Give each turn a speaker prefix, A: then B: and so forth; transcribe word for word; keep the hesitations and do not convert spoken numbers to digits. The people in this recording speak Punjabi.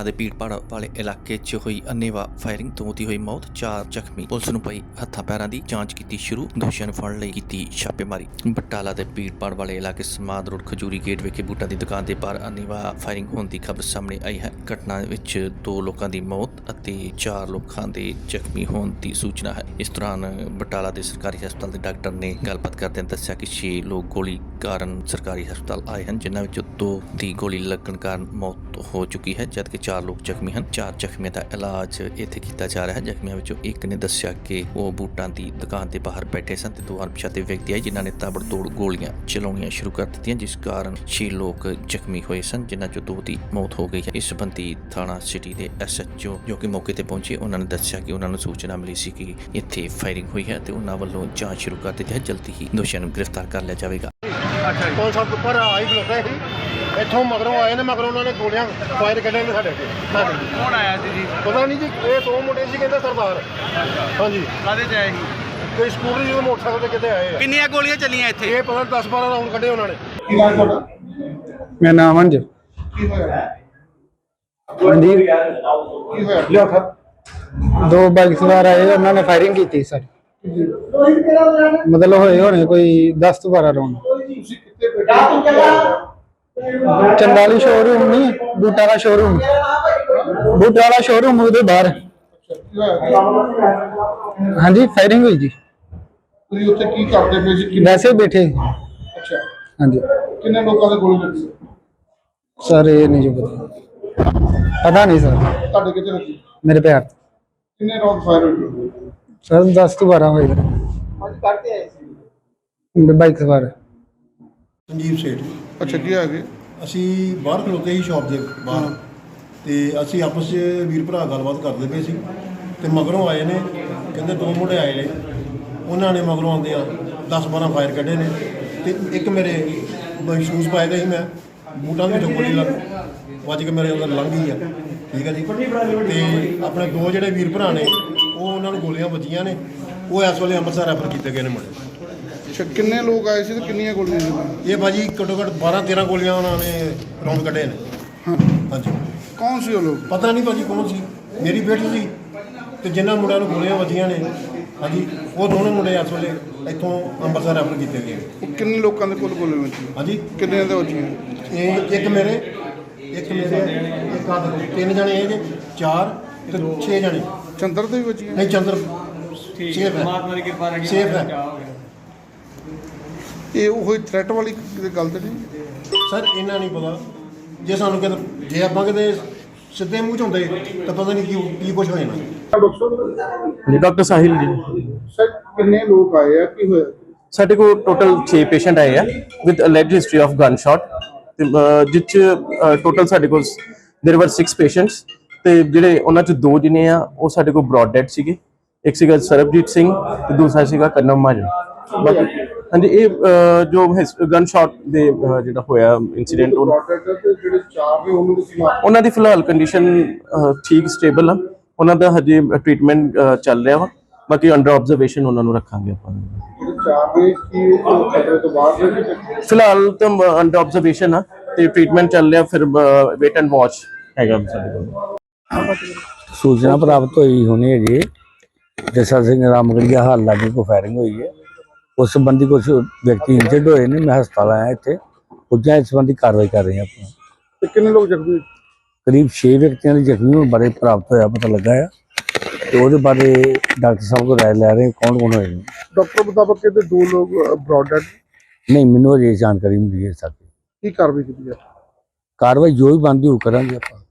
A: ਬਟਾਲਾ ਦੇ ਭੀੜਭਾੜ ਵਾਲੇ ਇਲਾਕੇ 'ਚ ਹੋਈ ਅੰਨ੍ਹੇਵਾਹ ਫਾਇਰਿੰਗ ਤੋਂ ਦੀ ਹੋਈ ਮੌਤ, ਚਾਰ ਜ਼ਖਮੀ। ਪੁਲਿਸ ਨੂੰ ਪਈ ਹੱਥਾਂ ਪੈਰਾਂ ਦੀ ਜਾਂਚ ਕੀਤੀ ਸ਼ੁਰੂ, ਦੋਸ਼ੀਆਂ ਨੂੰ ਫੜਨ ਲਈ ਕੀਤੀ ਛਾਪੇਮਾਰੀ। ਬਟਾਲਾ ਦੇ ਭੀੜਭਾੜ ਵਾਲੇ ਇਲਾਕੇ ਸਮਾਦ ਰੋਡ ਖਜੂਰੀ ਗੇਟ ਵਿਖੇ ਬੂਟਾਂ ਦੀ ਦੁਕਾਨ ਦੇ ਬਾਹਰ ਅੰਨ੍ਹੇਵਾਹ ਫਾਇਰਿੰਗ ਹੋਣ ਦੀ ਖਬਰ ਸਾਹਮਣੇ ਆਈ ਹੈ। ਘਟਨਾ ਵਿੱਚ ਦੋ ਲੋਕਾਂ ਦੀ ਮੌਤ ਅਤੇ ਚਾਰ ਲੋਕਾਂ ਦੇ ਜ਼ਖਮੀ ਹੋਣ ਦੀ ਸੂਚਨਾ ਹੈ। ਇਸ ਦੌਰਾਨ ਬਟਾਲਾ ਦੇ ਸਰਕਾਰੀ ਹਸਪਤਾਲ ਦੇ ਡਾਕਟਰ ਨੇ ਗੱਲਬਾਤ ਕਰਦਿਆਂ ਦੱਸਿਆ ਕਿ ਛੇ ਲੋਕ ਗੋਲੀ ਕਾਰਨ ਸਰਕਾਰੀ ਹਸਪਤਾਲ ਆਏ ਹਨ, ਜਿਨ੍ਹਾਂ ਵਿੱਚੋਂ ਦੋ ਦੀ ਗੋਲੀ ਲੱਗਣ ਕਾਰਨ ਮੌਤ ਹੋ ਚੁੱਕੀ ਹੈ, ਜਦਕਿ ਚਾਰ ਲੋਕ ਜ਼ਖਮੀ ਹਨ। ਚਾਰ ਜ਼ਖਮੀਆਂ ਦਾ ਇਲਾਜ ਇੱਥੇ ਕੀਤਾ ਜਾ ਰਿਹਾ ਹੈ। ਜ਼ਖਮੀਆਂ ਵਿੱਚੋਂ ਇੱਕ ਨੇ ਦੱਸਿਆ ਕਿ ਉਹ ਬੂਟਾਂ ਦੀ ਦੁਕਾਨ ਦੇ ਬਾਹਰ ਬੈਠੇ ਸਨ ਤੇ ਦੋ ਅਣਪਛਾਤੇ ਵਿਅਕਤੀ ਆਏ, ਜਿਨ੍ਹਾਂ ਨੇ ਤਾਬੜਤੋੜ ਗੋਲੀਆਂ ਚਲਾਉਣੀਆਂ ਸ਼ੁਰੂ ਕਰ ਦਿੱਤੀਆਂ, ਜਿਸ ਕਾਰਨ ਛੇ ਲੋਕ ਜ਼ਖਮੀ ਹੋਏ ਸਨ, ਜਿਨ੍ਹਾਂ ਚੋਂ ਦੋ ਦੀ ਮੌਤ ਹੋ ਗਈ ਹੈ। ਇਸ ਸੰਬੰਧੀ ਥਾਣਾ ਸਿਟੀ ਦੇ ਐਸ ਐਚ ਓ ਜੋ ਕਿ ਮੌਕੇ ਤੇ ਪਹੁੰਚੇ, ਉਹਨਾਂ ਨੇ ਦੱਸਿਆ ਕਿ ਉਹਨਾਂ ਨੂੰ ਸੂਚਨਾ ਮਿਲੀ ਸੀ ਕਿ ਇੱਥੇ ਫਾਇਰਿੰਗ ਹੋਈ ਹੈ ਤੇ ਉਹਨਾਂ ਵੱਲੋਂ ਜਾਂਚ ਸ਼ੁਰੂ ਕਰ ਦਿੱਤੀ ਹੈ। ਜਲਦੀ ਹੀ ਦੋਸ਼ੀਆਂ ਨੂੰ ਗ੍ਰਿਫਤਾਰ ਕਰ ਲਿਆ ਜਾਵੇਗਾ।
B: ਪੰਜ ਸੱਤ ਉੱਪਰ ਆਈ ਖਲੋਤੇ ਸੀ, ਇੱਥੋਂ ਮਗਰੋਂ ਆਏ ਨੇ, ਮਗਰੋਂ ਉਹਨਾਂ ਨੇ ਗੋਲੀਆਂ ਫਾਇਰ ਕੱਢੇ ਨੇ ਸਾਡੇ ਤੇ।
C: ਕੌਣ ਆਇਆ ਸੀ ਜੀ?
B: ਪਤਾ ਨਹੀਂ ਜੀ, ਇਹ ਦੋ ਮੁੰਡੇ ਸੀ ਕਹਿੰਦੇ ਸਰਦਾਰ। ਹਾਂਜੀ,
C: ਕਾਹਦੇ ਚ ਆਏ ਸੀ?
B: ਕੋਈ ਸਕੂਟਰ ਜਿਹਦੇ ਮੋਟਰਸਾਈਕਲ ਤੇ ਕਿਤੇ ਆਏ ਆ।
C: ਕਿੰਨੀਆਂ ਗੋਲੀਆਂ ਚੱਲੀਆਂ ਇੱਥੇ?
B: ਇਹ ਪਤਾ ਦਸ ਬਾਰਾਂ ਰਾਊਂਡ ਕੱਢੇ ਉਹਨਾਂ ਨੇ। ਕੀ ਨਾਮ ਤੁਹਾਡਾ?
D: ਮੇਰਾ ਨਾਮ ਅੰਜ।
B: ਕੀ ਹੋਇਆ?
D: ਹਾਂਜੀ,
B: ਕੀ ਹੋਇਆ?
D: ਦੋ ਬਾਈਕ ਸਵਾਰ ਆਏ, ਉਹਨਾਂ ਨੇ ਫਾਇਰਿੰਗ ਕੀਤੀ ਸਰ। ਮਤਲਬ ਹੋਏ ਹੋਣੇ ਕੋਈ ਦਸ ਤੋਂ ਬਾਰਾਂ ਰਾਉਂਡ।
B: ਤੁਸੀਂ ਕਿੱਥੇ ਬੈਠੇ?
D: ਚੰਦਾਲੀ ਸ਼ੋਰੂਮ ਨਹੀਂ, ਬੂਟਾ ਦਾ ਸ਼ੋਰੂਮ, ਬੂਟਾ ਵਾਲਾ ਸ਼ੋਰੂਮ ਉਹਦੇ ਬਾਹਰ।
B: ਕੀ ਹੋਇਆ?
D: ਹਾਂਜੀ, ਫਾਇਰਿੰਗ ਹੋਈ ਜੀ।
B: ਤੁਸੀਂ ਉੱਥੇ ਕੀ ਕਰਦੇ ਪਏ ਸੀ? ਕਿੰਨੇ-
D: ਵੈਸੇ ਹੀ ਬੈਠੇ।
B: ਅੱਛਾ,
D: ਹਾਂਜੀ
B: ਕਿੰਨੇ ਲੋਕਾਂ ਦੇ ਗੋਲੀ ਲੱਗੀ?
D: ਸਰ, ਇਹ ਨਹੀਂ ਜੋ ਪਤਾ ਪਤਾ ਨਹੀਂ ਸਰ।
B: ਤੁਹਾਡੇ ਕਿੱਥੇ ਲੱਗੀ?
D: ਮੇਰੇ ਪੈਰ
B: ਕਿੰਨੇ ਰਾਉਂਡ ਫਾਇਰ ਹੋਏ?
D: ਸਰ ਦਸ ਤੋਂ ਬਾਰਾਂ ਹੋਏ।
B: ਅੱਜ ਕਰਦੇ ਆਏ ਸੀ
D: ਬਾਈਕ ਸਵਾਰ।
E: ਸੰਜੀਵ ਸੇਠ।
B: ਅੱਛਾ, ਕੀ ਆ ਗਏ?
E: ਅਸੀਂ ਬਾਹਰ ਖਲੋਤੇ ਸੀ ਸ਼ਾਪ ਦੇ ਬਾਹਰ, ਤੇ ਅਸੀਂ ਆਪਸ 'ਚ ਵੀਰ ਭਰਾ ਗੱਲਬਾਤ ਕਰਦੇ ਪਏ ਸੀ ਤੇ ਮਗਰੋਂ ਆਏ ਨੇ, ਕਹਿੰਦੇ ਦੋ ਮੁੰਡੇ ਆਏ ਨੇ, ਉਹਨਾਂ ਨੇ ਮਗਰੋਂ ਆਉਂਦੇ ਆ ਦਸ ਬਾਰਾਂ ਫਾਇਰ ਕੱਢੇ ਨੇ ਤੇ ਇੱਕ ਮੇਰੇ ਸ਼ੂਜ਼ ਪਾਏ ਦੇ ਸੀ, ਮੈਂ ਬੂਟਾਂ ਦੇ ਵਿੱਚੋਂ ਗੋਲੀ ਲੱਗ ਵੱਜ ਕੇ ਮੇਰੇ ਅੰਦਰ ਲੰਘ ਗਈ ਆ। ਠੀਕ ਹੈ ਜੀ। ਤੇ ਆਪਣੇ ਦੋ ਜਿਹੜੇ ਵੀਰ ਭਰਾ ਨੇ, ਉਹ ਉਹਨਾਂ ਨੂੰ ਗੋਲੀਆਂ ਵੱਜੀਆਂ ਨੇ, ਉਹ ਇਸ ਵੇਲੇ ਅੰਮ੍ਰਿਤਸਰ ਰੈਫਰ ਕੀਤੇ ਗਏ ਨੇ ਮੁੰਡੇ।
B: ਅੱਛਾ, ਕਿੰਨੇ ਲੋਕ ਆਏ ਸੀ ਤੇ ਕਿੰਨੀਆਂ ਗੋਲੀਆਂ ਸੀ?
E: ਇਹ ਭਾਜੀ ਘੱਟੋ ਘੱਟ ਬਾਰਾਂ ਤੇਰਾਂ ਗੋਲੀਆਂ ਉਹਨਾਂ ਨੇ ਰਾਉਂਡ ਕੱਢੇ ਨੇ।
B: ਹਾਂ,
E: ਹਾਂਜੀ।
B: ਕੌਣ ਸੀ ਉਹ ਲੋਕ?
E: ਪਤਾ ਨਹੀਂ ਭਾਜੀ ਕੌਣ ਸੀ, ਮੇਰੀ ਬੇਟੀ ਸੀ ਤੇ ਜਿਨ੍ਹਾਂ ਮੁੰਡਿਆਂ ਨੂੰ ਗੋਲੀਆਂ ਵੱਜੀਆਂ ਨੇ, ਹਾਂਜੀ, ਉਹ ਦੋਨੋਂ ਮੁੰਡੇ ਇਸ ਵੇਲੇ ਇੱਥੋਂ ਅੰਮ੍ਰਿਤਸਰ ਰੈਫਰ ਕੀਤੇ ਗਏ।
B: ਉਹ ਕਿੰਨੇ ਲੋਕਾਂ ਦੇ ਕੋਲ ਗੋਲੀਆਂ ਵੱਜੀਆਂ?
E: ਹਾਂਜੀ,
B: ਕਿੰਨੇ ਦੇ ਵੱਜੀਆਂ?
E: ਇਹ ਇੱਕ ਮੇਰੇ ਇੱਕ ਮੇਰੇ ਇੱਕ ਆਹ ਦੇਖੋ, ਤਿੰਨ ਜਣੇ ਇਹ ਜੇ, ਚਾਰ ਤੇ ਛੇ ਜਣੇ।
B: ਚੰਦਰ ਦੇ ਵੀ ਵੱਜੀਆਂ?
E: ਨਹੀਂ, ਚੰਦਰ ਸੇਫ ਹੈ, ਸੇਫ ਹੈ।
B: ਇਹ ਉਹ ਥ੍ਰੈਟ ਵਾਲੀ ਕਿਤੇ ਗੱਲ ਤੇ ਨਹੀਂ?
E: ਸਰ ਇਹਨਾਂ ਨਹੀਂ ਪਤਾ, ਜੇ ਸਾਨੂੰ ਕਿਤੇ ਜੇ ਆਪਾਂ ਕਿਤੇ ਸਿੱਧੇ ਮੂੰਹ 'ਚ ਹੁੰਦੇ ਤਾਂ ਪਤਾ ਨਹੀਂ ਕੀ ਕੀ ਕੁਛ ਹੋ ਜਾਣਾ।
F: ਜੀ ਡਾਕਟਰ ਸਾਹਿਲ ਜੀ।
B: ਸਰ, ਕਿੰਨੇ ਲੋਕ ਆਏ ਆ? ਕੀ ਹੋਇਆ?
F: ਸਾਡੇ ਕੋਲ ਟੋਟਲ ਛੇ ਪੇਸ਼ੈਂਟ ਆਏ ਆ with alleged history of gunshot, ਤੇ ਜਿਸ 'ਚ ਟੋਟਲ ਸਾਡੇ ਕੋਲ देयर वर सिक्स ਪੇਸ਼ੈਂਟਸ, ਤੇ ਜਿਹੜੇ ਉਹਨਾਂ 'ਚ ਦੋ ਜਿਹਨੇ ਆ ਉਹ ਸਾਡੇ ਕੋਲ ਬ੍ਰੌਡ ਡੈਡ ਸੀਗੇ। ਇੱਕ ਸੀਗਾ ਸਰਬਜੀਤ ਸਿੰਘ ਤੇ ਦੂਸਰਾ ਸੀਗਾ ਕਰਨਮ ਮਾਜਨ। ਬਾਕੀ ਹਾਂਜੀ, ਇਹ ਜੋ ਗਨ ਸ਼ਾਟ ਦੇ ਜਿਹੜਾ ਹੋਇਆ ਇਨਸੀਡੈਂਟ,
B: ਜਿਹੜੇ ਚਾਰ ਨੇ ਉਹਨਾਂ ਦੇ
F: ਉਹਨਾਂ ਦੀ ਫਿਲਹਾਲ ਕੰਡੀਸ਼ਨ ਠੀਕ ਸਟੇਬਲ ਆ, ਉਹਨਾਂ ਦਾ ਹਜੇ ਟ੍ਰੀਟਮੈਂਟ ਚੱਲ ਰਿਹਾ ਵਾ। ਬਾਕੀ ਅੰਡਰ ਆਬਜ਼ਰਵੇਸ਼ਨ ਉਹਨਾਂ ਨੂੰ ਰੱਖਾਂਗੇ ਆਪਾਂ।
B: ਜਿਹੜੇ ਚਾਰ ਨੇ ਕੀ ਖਤਰੇ ਤੋਂ ਬਾਹਰ ਨੇ?
F: ਫਿਲਹਾਲ ਤਾਂ ਅੰਡਰ ਆਬਜ਼ਰਵੇਸ਼ਨ ਆ ਤੇ ਟ੍ਰੀਟਮੈਂਟ ਚੱਲ ਰਿਹਾ, ਫਿਰ ਵੇਟ ਐਂਡ ਵਾਚ ਹੈਗਾ ਸਾਡੇ ਕੋਲ।
G: सूचना प्राप्त हुई होनी है जी, जैसा सिंह रामगढ़िया हाल लागे को फायरिंग हुई है। उस संबंधी कुछ व्यक्ति इंजर्ड हुए ने, मैं हस्पताल आया इतने पुजा, इस संबंधी कार्रवाई कर रहे हैं अपना।
B: कितने लोग जख्मी?
G: करीब छे व्यक्तियों के जख्मी बारे प्राप्त होया पता लगा है, तो वो बारे डॉक्टर साहब को राय लै रहे हैं कौन कौन होए।
B: डॉक्टर मुताबिक कहते दो लोग ब्रॉड डेड
G: नहीं, मैनू अजे जानकारी मिली है। साथ
B: की कार्रवाई की है?
G: कार्रवाई जो भी बनती वो करांगे।